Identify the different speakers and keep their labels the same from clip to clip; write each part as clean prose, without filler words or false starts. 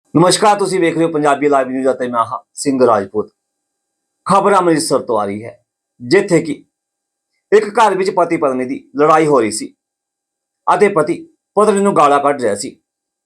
Speaker 1: ਨਮਸਕਾਰ, ਤੁਸੀਂ ਵੇਖ ਰਹੇ ਹੋ ਪੰਜਾਬੀ ਲਾਈਵ ਨਿਊਜ਼ ਅਤੇ ਮੈਂ ਹਾਂ ਸਿੰਘ ਰਾਜਪੂਤ। ਖਬਰ ਅੰਮ੍ਰਿਤਸਰ ਤੋਂ ਆ ਰਹੀ ਹੈ, ਜਿੱਥੇ ਕਿ ਇੱਕ ਘਰ ਵਿੱਚ ਪਤੀ ਪਤਨੀ ਦੀ ਲੜਾਈ ਹੋ ਰਹੀ ਸੀ ਅਤੇ ਪਤੀ ਪਤਨੀ ਨੂੰ ਗਾਲਾਂ ਕੱਢ ਰਿਹਾ ਸੀ।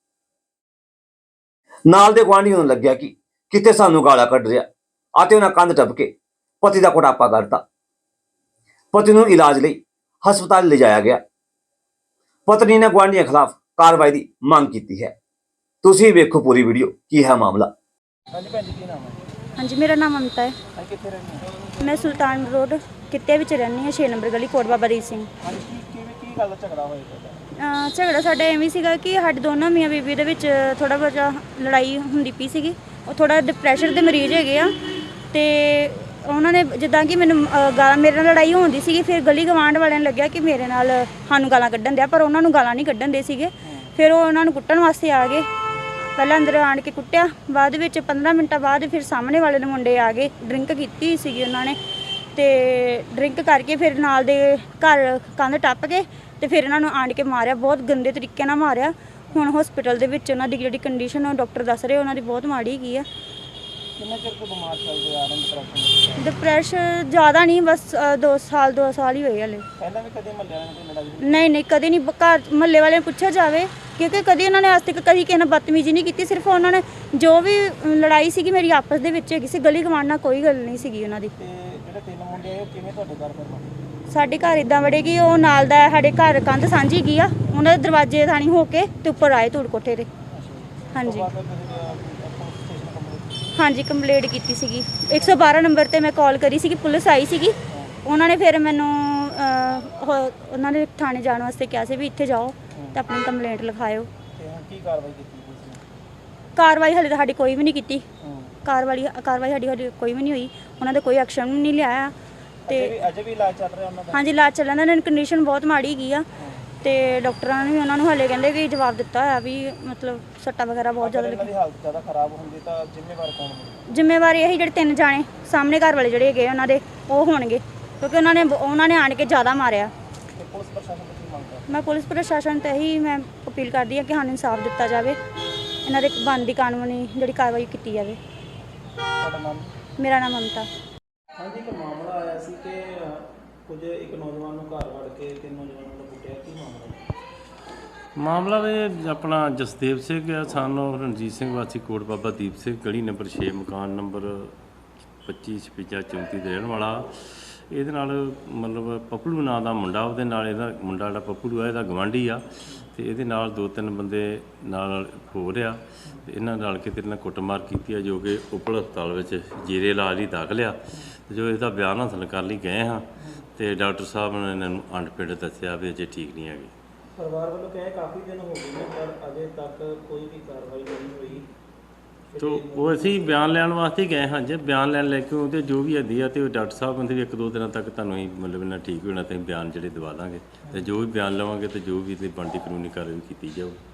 Speaker 1: ਨਾਲ ਦੇ ਗੁਆਂਢੀਆਂ ਨੂੰ ਲੱਗਿਆ ਕਿ ਕਿਤੇ ਸਾਨੂੰ ਗਾਲਾਂ ਕੱਢ ਰਿਹਾ ਅਤੇ ਉਹਨਾਂ ਕੰਧ ਟੱਪ ਕੇ ਪਤੀ ਦਾ ਕੁਟਾਪਾ ਕਰਤਾ। ਪਤੀ ਨੂੰ ਇਲਾਜ ਲਈ ਹਸਪਤਾਲ ਲਿਜਾਇਆ ਗਿਆ। ਪਤਨੀ ਨੇ ਗੁਆਂਢੀਆਂ ਖਿਲਾਫ ਕਾਰਵਾਈ ਦੀ ਮੰਗ ਕੀਤੀ ਹੈ। ਤੁਸੀਂ ਵੇਖੋ ਪੂਰੀ ਵੀਡੀਓ, ਕੀ ਹੈ ਮਾਮਲਾ।
Speaker 2: ਹਾਂਜੀ ਭੈਣ ਜੀ, ਕੀ ਨਾਮ ਹੈ?
Speaker 3: ਹਾਂਜੀ, ਮੇਰਾ ਨਾਮ ਮਮਤਾ ਹੈ।
Speaker 2: ਹਾਂ, ਕਿੱਥੇ ਰਹਿੰਦੇ ਹੋ?
Speaker 3: ਮੈਂ ਸੁਲਤਾਨ ਰੋਡ ਕਿੱਤੇ ਵਿੱਚ ਰਹਿੰਦੀ ਹਾਂ, 6 ਨੰਬਰ ਗਲੀ, ਕੋਟ ਬਾਬਾ ਦੀਪ ਸਿੰਘ।
Speaker 2: ਹਾਂਜੀ, ਕੀ ਗੱਲ ਦਾ ਝਗੜਾ ਹੋਇਆ ਤੁਹਾਡਾ?
Speaker 3: ਝਗੜਾ ਸਾਡਾ ਐਵੇਂ ਸੀਗਾ ਕਿ ਸਾਡੇ ਦੋਨੋਂ ਮੀਆਂ ਬੀਬੀ ਦੇ ਵਿੱਚ ਥੋੜਾ ਬਹੁਤਾ ਲੜਾਈ ਹੁੰਦੀ ਪਈ ਸੀਗੀ। ਉਹ ਥੋੜਾ ਡਿਪਰੈਸ਼ਨ ਦੇ ਮਰੀਜ਼ ਹੈਗੇ ਆ, ਤੇ ਉਹਨਾਂ ਨੇ ਜਿੱਦਾਂ ਕਿ ਮੈਨੂੰ ਮੇਰੇ ਨਾਲ ਲੜਾਈ ਹੁੰਦੀ ਸੀਗੀ। ਫਿਰ ਗਲੀ ਗਵਾਂਢ ਵਾਲਿਆਂ ਨੂੰ ਲੱਗਿਆ ਕਿ ਮੇਰੇ ਨਾਲ ਸਾਨੂੰ ਗਾਲਾਂ ਕੱਢਣ ਦਿਆ, ਪਰ ਉਹਨਾਂ ਨੂੰ ਗਾਲਾਂ ਨਹੀਂ ਕੱਢਣ ਦੇ ਸੀਗੇ। ਫਿਰ ਉਹ ਉਹਨਾਂ ਨੂੰ ਕੁੱਟਣ ਵਾਸਤੇ ਆ ਗਏ। ਪਹਿਲਾਂ ਅੰਦਰ ਆਣ ਕੇ ਕੁੱਟਿਆ, ਬਾਅਦ ਵਿੱਚ 15 ਮਿੰਟਾਂ ਬਾਅਦ ਫਿਰ ਸਾਹਮਣੇ ਵਾਲੇ ਦੇ ਮੁੰਡੇ ਆ ਗਏ। ਡਰਿੰਕ ਕੀਤੀ ਸੀਗੀ ਉਹਨਾਂ ਨੇ, ਤੇ ਡਰਿੰਕ ਕਰਕੇ ਫਿਰ ਨਾਲ ਦੇ ਘਰ ਕੰਧ ਟੱਪ ਕੇ ਤੇ ਫਿਰ ਇਹਨਾਂ ਨੂੰ ਆਣ ਕੇ ਮਾਰਿਆ, ਬਹੁਤ ਗੰਦੇ ਤਰੀਕੇ ਨਾਲ ਮਾਰਿਆ। ਹੁਣ ਹਸਪੀਟਲ ਦੇ ਵਿੱਚ ਉਹਨਾਂ ਦੀ ਜਿਹੜੀ ਕੰਡੀਸ਼ਨ ਡਾਕਟਰ ਦੱਸ ਰਹੇ ਉਹਨਾਂ ਦੀ ਬਹੁਤ ਮਾੜੀ ਹੈਗੀ ਆ।
Speaker 2: ਕਿੰਨਾ ਚਿਰ ਤੋਂ ਬਿਮਾਰ ਚੱਲਦੇ ਆ ਰਹੇ ਡਿਪਰੈਸ਼ਨ?
Speaker 3: ਡਿਪਰੈਸ਼ਨ ਜ਼ਿਆਦਾ ਨਹੀਂ, ਬਸ 2 ਸਾਲ ਹੀ ਹੋਏ ਹਲੇ।
Speaker 2: ਪਹਿਲਾਂ ਵੀ ਕਦੇ ਮਹੱਲੇ ਵਾਲਿਆਂ ਨਾਲ ਲੜਾਈ?
Speaker 3: ਨਹੀਂ, ਕਦੇ ਨਹੀਂ। ਘਰ ਮਹੱਲੇ ਵਾਲਿਆਂ ਨੂੰ ਪੁੱਛਿਆ ਜਾਵੇ, ਕਿਉਂਕਿ ਕਦੇ ਉਹਨਾਂ ਨੇ ਅੱਜ ਤੱਕ ਕਦੀ ਕਿਸੇ ਨਾਲ ਬਦਤਮੀਜ਼ੀ ਨਹੀਂ ਕੀਤੀ। ਸਿਰਫ ਉਹਨਾਂ ਨੇ ਜੋ ਵੀ ਲੜਾਈ ਸੀਗੀ ਮੇਰੀ ਆਪਸ ਦੇ ਵਿੱਚ ਹੈਗੀ ਸੀ, ਗਲੀ ਗਵਾਂਢ ਨਾਲ ਕੋਈ ਗੱਲ ਨਹੀਂ ਸੀਗੀ ਉਹਨਾਂ ਦੀ।
Speaker 2: ਤੇ ਜਿਹੜੇ 3 ਮੁੰਡੇ ਆਏ ਉਹ ਕਿਵੇਂ ਤੁਹਾਡੇ ਘਰ ਪਰ?
Speaker 3: ਸਾਡੇ ਘਰ ਇਦਾਂ ਵੜੇ ਕਿ ਉਹ ਨਾਲ ਦਾ ਸਾਡੇ ਘਰ ਕੰਧ ਸਾਂਝੀ ਗਈ ਆ, ਉਹਨਾਂ ਦੇ ਦਰਵਾਜ਼ੇ ਥਾਣੀ ਹੋ ਕੇ ਤੇ ਉੱਪਰ ਆਏ ਧੂੜ ਕੋਠੇ ਤੇ। ਹਾਂਜੀ ਹਾਂਜੀ, ਕੰਪਲੇਂਟ ਕੀਤੀ ਸੀਗੀ। 112 ਨੰਬਰ ਤੇ ਮੈਂ ਕਾਲ ਕਰੀ ਸੀਗੀ, ਪੁਲਿਸ ਆਈ ਸੀਗੀ। ਉਹਨਾਂ ਨੇ ਫਿਰ ਮੈਨੂੰ ਉਹਨਾਂ ਨੇ ਥਾਣੇ ਜਾਣ ਵਾਸਤੇ ਕਿਹਾ ਸੀ ਵੀ ਇੱਥੇ ਜਾਓ ਤੇ ਆਪਣੀ ਕੰਪਲੇਂਟ ਲਿਖਾਇਓ।
Speaker 2: ਤੇ ਹੁਣ ਕੀ ਕਾਰਵਾਈ ਕੀਤੀ ਪੁਲਿਸ ਨੇ?
Speaker 3: ਕਾਰਵਾਈ ਹਾਲੇ ਤਾਂ ਸਾਡੀ ਕੋਈ ਵੀ ਨਹੀਂ ਕੀਤੀ। ਕਾਰਵਾਈ ਸਾਡੀ ਕੋਈ ਵੀ ਨਹੀਂ ਹੋਈ। ਉਹਨਾਂ ਦਾ ਕੋਈ ਐਕਸ਼ਨ ਵੀ ਨਹੀਂ ਲਿਆ। ਤੇ
Speaker 2: ਅਜੇ ਵੀ ਇਲਾਜ ਚੱਲ ਰਿਹਾ ਉਹਨਾਂ ਦਾ?
Speaker 3: ਹਾਂਜੀ, ਇਲਾਜ ਚੱਲਣ ਦਾ। ਕੰਡੀਸ਼ਨ ਬਹੁਤ ਮਾੜੀ ਗਈ ਆ, ਤੇ ਡਾਕਟਰਾਂ ਨੇ ਵੀ ਉਹਨਾਂ ਨੂੰ ਹਾਲੇ ਕਹਿੰਦੇ ਕਿ ਜਵਾਬ ਦਿੱਤਾ ਹੋਇਆ ਵੀ ਮਤਲਬ ਸੱਟਾਂ ਵਗੈਰਾ ਬਹੁਤ ਜ਼ਿਆਦਾ
Speaker 2: ਇਹਨਾਂ ਦੀ ਹਾਲਤ ਜ਼ਿਆਦਾ ਖਰਾਬ ਹੁੰਦੀ ਤਾਂ ਜ਼ਿੰਮੇਵਾਰ ਕੌਣ ਹੋਵੇ?
Speaker 3: ਜ਼ਿੰਮੇਵਾਰੀ ਇਹੀ ਜਿਹੜੇ 3 ਜਾਣੇ ਸਾਹਮਣੇ ਘਰ ਵਾਲੇ ਜਿਹੜੇ ਹੈਗੇ ਉਹਨਾਂ ਦੇ, ਉਹ ਹੋਣਗੇ, ਕਿਉਂਕਿ ਉਹਨਾਂ ਨੇ ਆਣ ਕੇ ਜ਼ਿਆਦਾ ਮਾਰਿਆ।
Speaker 2: ਤੇ ਪੁਲਿਸ ਪ੍ਰਸ਼ਾਸਨ ਤੋਂ ਕੀ ਮੰਗ ਕਰਦੇ?
Speaker 3: ਮੈਂ ਪੁਲਿਸ ਪ੍ਰਸ਼ਾਸਨ ਤੇ ਹੀ ਮੈਂ ਅਪੀਲ ਕਰਦੀ ਹਾਂ ਕਿ ਸਾਨੂੰ ਇਨਸਾਫ ਦਿੱਤਾ ਜਾਵੇ, ਇਹਨਾਂ ਦੇ ਬਣਦੀ ਕਾਨੂੰਨੀ ਜਿਹੜੀ ਕਾਰਵਾਈ ਕੀਤੀ ਜਾਵੇ।
Speaker 2: ਤੁਹਾਡਾ ਨਾਮ?
Speaker 3: ਮੇਰਾ ਨਾਮ ਮਮਤਾ।
Speaker 2: ਹਾਂਜੀ, ਇੱਕ ਮਾਮਲਾ ਆਇਆ ਸੀ ਕਿ ਇੱਕ ਨੌਜਵਾਨ ਨੂੰ ਘਰ ਵੜ ਕੇ 3 ਨੌਜਵਾਨਾਂ ਦਾ ਕੁੱਟਿਆ। ਕੀ
Speaker 4: ਮਾਮਲਾ ਵੀ ਆਪਣਾ ਜਸਦੇਵ ਸਿੰਘ ਆ, ਸਾਨੂੰ ਰਣਜੀਤ ਸਿੰਘ ਵਾਸੀ ਕੋਟ ਬਾਬਾ ਦੀਪ ਸਿੰਘ, ਗਲੀ ਨੰਬਰ 6, ਮਕਾਨ ਨੰਬਰ 25 56 34 ਦੇ ਰਹਿਣ ਵਾਲਾ। ਇਹਦੇ ਨਾਲ ਮਤਲਬ ਪੱਪਲੂ ਨਾਂ ਦਾ ਮੁੰਡਾ, ਉਹਦੇ ਨਾਲ ਇਹਦਾ ਮੁੰਡਾ ਜਿਹੜਾ ਪੱਪਲੂ ਆ ਇਹਦਾ ਗਵਾਂਢੀ ਆ, ਤੇ ਇਹਦੇ ਨਾਲ 2-3 ਬੰਦੇ ਨਾਲ ਹੋ ਰਿਹਾ, ਤੇ ਇਹਨਾਂ ਨਾਲ ਕੇ ਤੇਰੇ ਨਾਲ ਕੁੱਟਮਾਰ ਕੀਤੀ ਆ, ਜੋ ਕਿ ਉਪਲ ਹਸਪਤਾਲ ਵਿੱਚ ਜੀਰੇ ਇਲਾਜ ਲਈ ਦਾਖਲ ਆ। ਜੋ ਇਹਦਾ ਬਿਆਨ ਹਾਸਲ ਕਰਨ ਲਈ ਗਏ ਹਾਂ, ਤੇ ਡਾਕਟਰ ਸਾਹਿਬ ਨੇ ਇਹਨਾਂ ਨੂੰ ਅੰਡਪਿੰਡ ਦੱਸਿਆ ਵੀ ਅਜੇ ਠੀਕ ਨਹੀਂ ਹੈਗੇ।
Speaker 2: ਪਰਿਵਾਰ ਵੱਲੋਂ ਕਹੇ ਕਾਫੀ ਦਿਨ ਹੋ ਗਏ ਨੇ, ਪਰ ਅਜੇ ਤੱਕ ਕੋਈ ਵੀ ਕਾਰਵਾਈ ਨਹੀਂ ਹੋਈ।
Speaker 4: ਤੋ ਉਹ ਅਸੀਂ ਬਿਆਨ ਲੈਣ ਵਾਸਤੇ ਗਏ ਹਾਂ। ਜੇ ਬਿਆਨ ਲੈਣ ਲੈ ਕੇ ਉਹਦੇ ਜੋ ਵੀ ਹੁੰਦੀ ਆ, ਤੇ ਉਹ ਡਾਕਟਰ ਸਾਹਿਬ ਕਹਿੰਦੇ ਵੀ 1-2 ਦਿਨਾਂ ਤੱਕ ਤੁਹਾਨੂੰ ਹੀ ਮਤਲਬ ਇਹਨਾਂ ਠੀਕ ਹੋਣਾ, ਤੇ ਬਿਆਨ ਜਿਹੜੇ ਦਵਾ ਦਾਂਗੇ, ਤੇ ਜੋ ਵੀ ਬਿਆਨ ਲਵਾਂਗੇ ਤੇ ਜੋ ਵੀ ਤੇ ਬਣਦੀ ਕਾਨੂੰਨੀ ਕਾਰਵਾਈ ਕੀਤੀ ਜਾਊ।